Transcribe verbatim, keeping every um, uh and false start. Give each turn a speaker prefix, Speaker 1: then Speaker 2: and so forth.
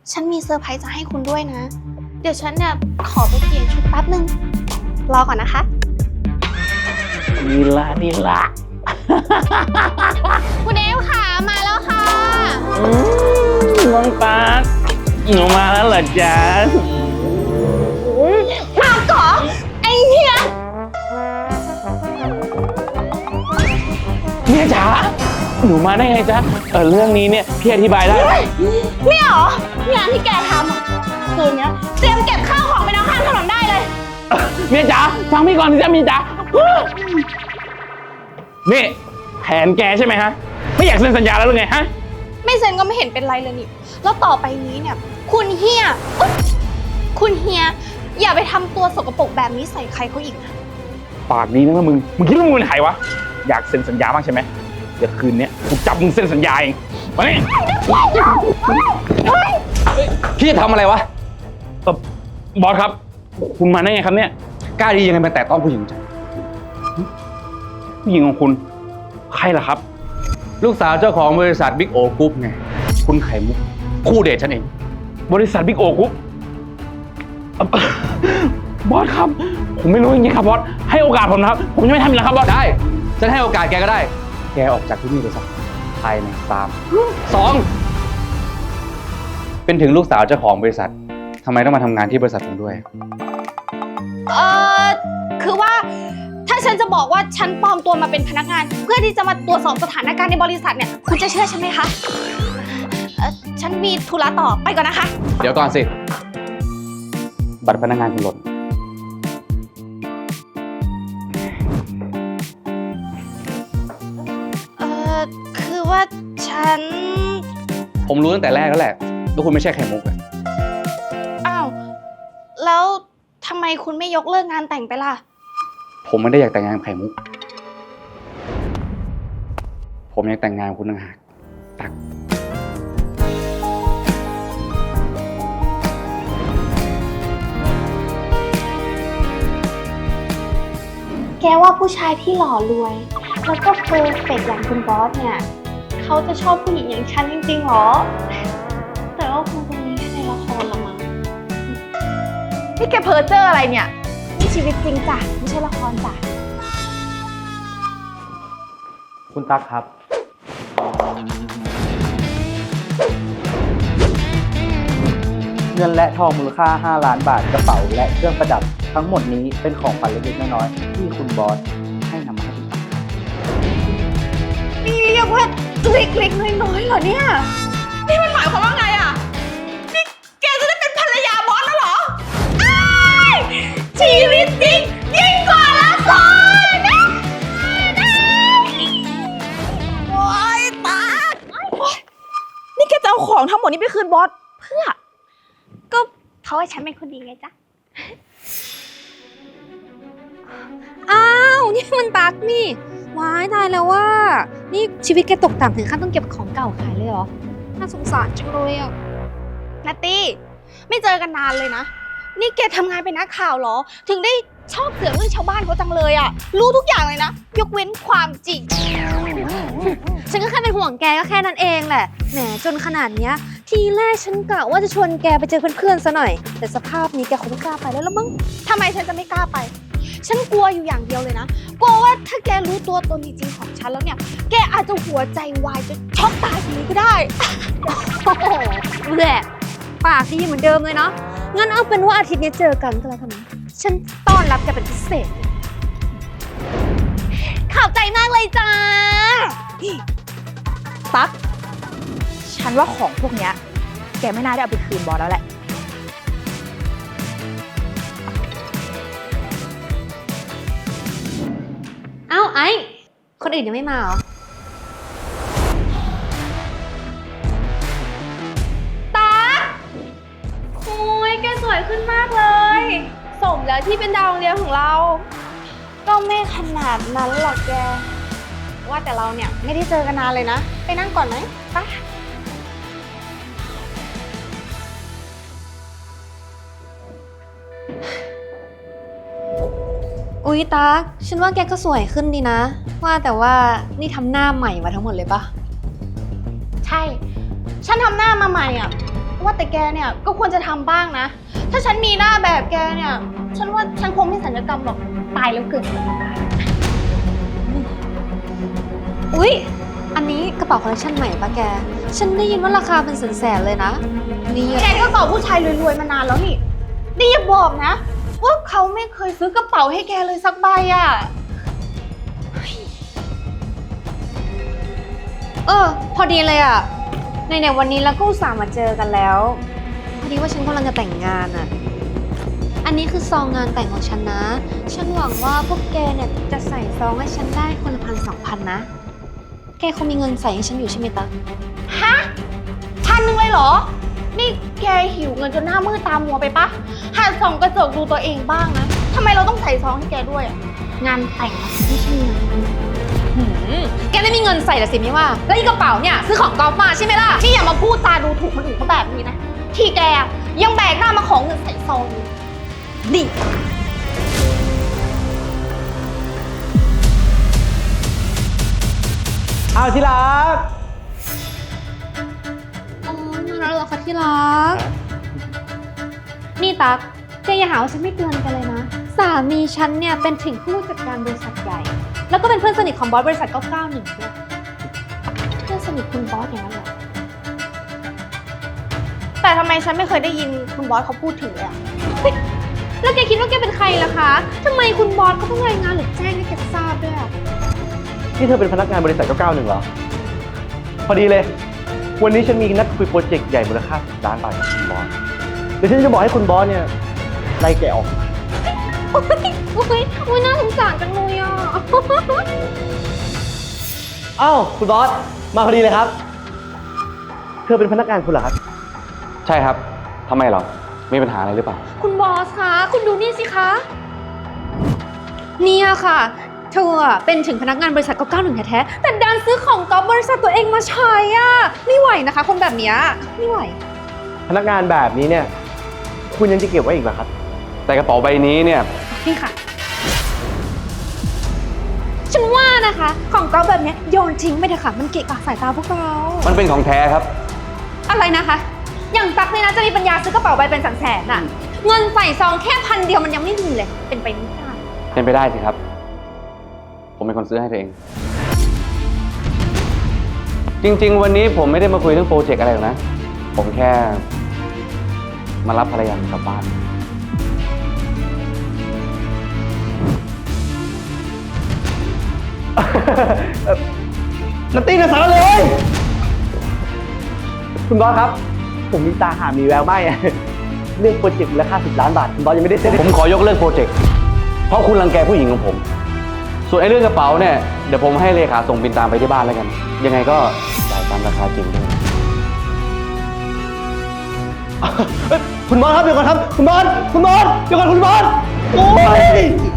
Speaker 1: ฉันมีเซอร์ไพรส์จะให้คุณด้วยนะ เดี๋ยวฉันเนี่ยขอไปเปลี่ยนชุดแป๊บนึง รอก่อนนะคะ
Speaker 2: นี่ละนี่ละ
Speaker 1: คุณเอฟค่ะมาแล้วค่ะ
Speaker 2: อืมน้องปาร์คหนูมาแล้วเหรอจ๊ะ
Speaker 1: มาก่อไอ้เหี้ย
Speaker 2: เนี่ยจ๋าหนูมาได้ไงจ๊ะเออเรื่องนี้เนี่ยพี่อธิบายได้
Speaker 1: เนี่ยเหรองานที่แกทำอ่ะคืนเนี้ยเตรียมเก็บข้าวของไปเอาข้างถนนได้เลย
Speaker 2: เมียจ๋าฟังพี่ก่อนสิจ๊ะเมียจ๋านี่แผนแกใช่ไหมฮะไม่อยากเซ็นสัญญาแล้วหรือไงฮะ
Speaker 1: ไม่เซ็นก็ไม่เห็นเป็นไรเลยนี่ แล้วต่อไปนี้เนี่ย คุณเฮียอุ๊ยคุณเฮียอย่าไปทำตัวสกปรกแบบนี้ใส่ใครเขาอีกนะ
Speaker 2: ปากดีนะมึงมึงคิดว่ามึงเป็นใครวะอยากเซ็นสัญญาบ้างใช่ไหมเดี๋ยวคืนนี้กูจับมึงเซ็นสัญญาเองมานี่
Speaker 3: พี่จะทำอะไรวะ
Speaker 2: เออบอสครับคุณมาได้ไงครับเนี่ย
Speaker 3: กล้าดียังไงมาแตะต้องผู้หญิงจัง
Speaker 2: ผู้หญิงของคุณใครล่ะครับ
Speaker 3: ลูกสาวเจ้าของบริษัทบิ๊กโอกรุ๊ปไง คุณไข่มุก คู่เดทฉันเอง
Speaker 2: บริษัทบิ๊กโอกุ๊บบอสครับผมไม่รู้จริงๆครับบอสให้โอกาสผมนะครับผมจะไม่ทำอีกแล้วครับบอส
Speaker 3: ได้ ฉันให้โอกาสแกก็ได้ แกออกจากที่นี่ไปซะภายในสามสองเป็นถึงลูกสาวเจ้าของบริษัททำไมต้องมาทำงานที่บริษัทผมด้วย
Speaker 1: เออคือว่าถ้าฉันจะบอกว่าฉันปลอมตัวมาเป็นพนักงาน เพื่อที่จะมาตรวจสอบสถานการณ์ในบริษัทเนี่ยคุณจะเชื่อฉันไหมคะเออฉันมีธุระต่อไปก่อนนะคะ
Speaker 3: เดี๋ยวก่อนสิ บัตรพนักงานคุณหล่น
Speaker 1: เออคือว่าฉัน
Speaker 3: ผมรู้ตั้งแต่แรกแล้วแหละว่าคุณไม่ใช่ไข่มุกอะ
Speaker 1: อ้าวแล้วทำไมคุณไม่ยกเลิกงานแต่งไปล่ะ
Speaker 3: ผมไม่ได้อยากแต่งงานกับไข่มุก ผมอยากแต่งงานกับคุณต่างหากตัก
Speaker 1: แกว่าผู้ชายที่หล่อรวย แล้วก็เพอร์เฟกต์อย่างคุณบอสเนี่ยเขาจะชอบผู้หญิงอย่างฉันจริงๆหรอ แต่ว่าคงจะมีแค่ในละครละมั้งนี่แกเพ้อเจ้ออะไรเนี่ยนี่ชีวิตจริงจ้ะไม่ใช่ละครจ้ะ
Speaker 4: คุณตั๊กครับ เงินและทองมูลค่าห้าล้านบาทกระเป๋าและเครื่องประดับทั้งหมดนี้เป็นของขวัญเล็กๆน้อยๆที่คุณบอสให้นำมาให้คุณตั๊ก
Speaker 1: นี่เรียกว่าเล็กๆน้อยๆเหรอเนี่ยนี่มันหมายความว่าไงอ่ะนี่แกจะได้เป็นภรรยาบอสแล้วเหรออ้ายชีวิตจริงยิ่งกว่าละครนะโอ๊ยตาโอ๊ยนี่แกจะเอาของทั้งหมดนี้ไปคืนบอสเพื่อ ก็เพราะว่าฉันเป็นคนดีไงจ๊ะ
Speaker 5: อ้าว นี่มันตั๊กนี่ว้ายตายแล้วว่า นี่ชีวิตแกตกต่ำถึงขั้นต้องเก็บของเก่าขายเลยเหรอ น่าสงสารจังเลยอ่ะ
Speaker 1: นัตตี้ไม่เจอกันนานเลยนะ นี่แกทำงานเป็นนักข่าวเหรอ ถึงได้ชอบเสือกเรื่องชาวบ้านเขาจังเลยอะรู้ทุกอย่างเลยนะ ยกเว้นความจริง
Speaker 5: ฉันก็แค่เป็นห่วงแกก็แค่นั้นเองแหละ แหมจนขนาดเนี้ย ทีแรกฉันกะว่าจะชวนแกไปเจอเพื่อนๆซะหน่อย แต่สภาพนี้แกคงไม่กล้าไปแล้วละมั้ง
Speaker 1: ทำไมฉันจะไม่กล้าไป ฉันกลัวอยู่อย่างเดียวเลยนะ กลัวว่าถ้าแกรู้ตัวตนจริงๆของฉันแล้วเนี่ย แกอาจจะหัวใจวายจะช็อกตายอย่างนี้ก็ได้
Speaker 5: โอ้โหแหละปากดีเหมือนเดิมเลยเนาะ งั้นเอาเป็นว่าอาทิตย์นี้เจอกันก็แล้วกันนะฉันต้อนรับแกเป็นพิเศษ
Speaker 1: ขอบใจมากเลยจ้า
Speaker 6: ตั๊กฉันว่าของพวกเนี้ยแกไม่น่าได้เอาไปคืนบอสแล้วแหละ
Speaker 5: เอ้าไอ้ คนอื่นยังไม่มาเหรอ
Speaker 1: โอ้ยแกสวยขึ้นมากเลย สมแล้วที่เป็นดาวโรงเรียนของเรา ก็ไม่ขนาดนั้นหรอกแก ว่าแต่เราเนี่ยไม่ได้เจอกันนานเลยนะ ไปนั่งก่อนไหมไป
Speaker 5: อุ๊ยตั๊กฉันว่าแกก็สวยขึ้นดีนะ ว่าแต่ว่านี่ทำหน้าใหม่มาทั้งหมดเลยปะ
Speaker 1: ใช่ ฉันทำหน้ามาใหม่อ่ะว่าแต่แกเนี่ยก็ควรจะทำบ้างนะ ถ้าฉันมีหน้าแบบแกเนี่ย ฉันว่าฉันคงไม่ศัลยกรรมหรอก ตายแล้วเกิด
Speaker 5: อุ๊ย อันนี้กระเป๋าคอลเลคชันใหม่ปะแก ฉันได้ยินว่าราคาเป็นแสนๆเลยนะ นี่
Speaker 1: แกก็เกาะผู้ชายรวยๆมานานแล้วนี่นี่อย่าบอกนะ ว่าเขาไม่เคยซื้อกระเป๋าให้แกเลยสักใบอ่ะ
Speaker 5: เออ พอดีเลยอ่ะ ในในๆวันนี้เราก็อุตส่าห์มาเจอกันแล้ว พอดีว่าฉันกำลังจะแต่งงานอ่ะ อันนี้คือซองงานแต่งของฉันนะ ฉันหวังว่าพวกแกเนี่ยจะใส่ซองให้ฉันได้คนละพันสองพันนะ แกคงมีเงินใส่ให้ฉันอยู่ใช่ไหมตะ
Speaker 1: ฮะพันหนึ่งเลยเหรอ นี่แกหิวเงินจนหน้ามืดตามัวไปปะหัดส่องกระจกดูตัวเองบ้างนะทำไมเราต้องใส่ซองให้แกด้วยอะงานแต่งอะไม่ใช่งาน
Speaker 5: หืมแกไม่มีเงินใส่ละสิไม่ว่า แล้วอีกระเป๋าเนี่ยซื้อของกอล์ฟมาใช่ไหมล่ะ
Speaker 1: นี่อย่ามาพูดตาดูถูกคนอื่นเขาแบบนี้นะ ที่แกอะยังแบกหน้ามาของเงินใส่ซองอยู่
Speaker 5: ดิ
Speaker 4: เอาที่รัก
Speaker 5: อ๋อมาแล้วเหรอคะที่รัก นี่ตั๊กแกอย่าหาว่าฉันไม่เตือนแกันเลยนะ สามีฉันเนี่ยเป็นถึงผู้จัดการบริษัทใหญ่ แล้วก็เป็นเพื่อนสนิทของบอสบริษัทเก้าเก้าหนึ่งด้วย เพื่อนสนิทคุณบอสอย่างนั้นเหรอ
Speaker 1: แต่ทำไมฉันไม่เคยได้ยินคุณบอสเขาพูดถึงเลยอะ
Speaker 5: แล้วแกคิดว่าแกเป็นใครล่ะคะทำไมคุณบอสเขาต้องรายงานหรือแจ้งให้แกทราบด้วยอะ
Speaker 4: นี่เธอเป็นพนักงานบริษัทเก้าเก้าหนึ่งเหรอ พอดีเลย วันนี้ฉันมีนัดคุยโปรเจกต์ใหญ่มูลค่าสิบล้านบาทกับคุณบอส เดี๋ยวฉันจะบอกให้คุณบอสเนี่ยไล่แกออก
Speaker 5: โอ๊ยโอ๊ยโอ๊ยน่าสงสารจังเลยอ่ะ
Speaker 4: อ้าวคุณบอส มาพอดีเลยครับ เธอเป็นพนักงานคุณเหรอครับ
Speaker 3: ใช่ครับทำไมเหรอ มีปัญหาอะไรหรือเปล่า
Speaker 5: คุณบอสคะ คุณดูนี่สิคะ เนี่ยค่ะ เธออะเป็นถึงพนักงานบริษัทเก้าเก้าหนึ่งแท้ๆ แต่ดันซื้อของก๊อฟบริษัทตัวเองมาใช้อ่ะ ไม่ไหวนะคะ คนแบบเนี้ยไม่ไหว
Speaker 4: พนักงานแบบนี้เนี่ย คุณยังจะเก็บไว้อีกเหรอครับ
Speaker 3: แต่กระเป๋าใบนี้เนี่ย
Speaker 5: นี่ค่ะ ฉันว่านะคะ ของก๊อฟแบบเนี้ยโยนทิ้งไปเถอะค่ะ มันเกะกะสายตาพวกเรา
Speaker 3: มันเป็นของแท้ครับ
Speaker 5: อะไรนะคะ อย่างตั๊กเนี่ยนะจะมีปัญญาซื้อกระเป๋าใบเป็นแสนๆน่ะ เงินใส่ซองแค่พันเดียวมันยังไม่มีเลย เป็นไปไม่ได้
Speaker 3: เป็นไปได้สิครับ ผมเป็นคนซื้อให้เธอเอง จริงๆ วันนี้ผมไม่ได้มาคุยเรื่องโปรเจกต์อะไรหรอกนะ ผมแค่ มารับภรรยาผมกลับบ้าน
Speaker 4: นัตตี้นะสารเลย คุณบอสครับ ผมมีตาหามีแววไหมอะเรื่องโปรเจกต์มูลค่าสิบล้านบาท คุณบอสยังไม่ได้เซ็น
Speaker 3: ผมขอยกเลิกโปรเจกต์ เพราะคุณรังแกผู้หญิงของผม ส่วนไอ้เรื่องกระเป๋าเนี่ย เดี๋ยวผมให้เลขาส่งบินตามไปที่บ้านแล้วกัน ยังไงก็จ่ายตามราคาจริงด้วย
Speaker 4: เอ้ยคุณบอสครับเดี๋ยวก่อนครับ คุณบอส คุณบอส เดี๋ยวก่อนคุณบอส โอ้ย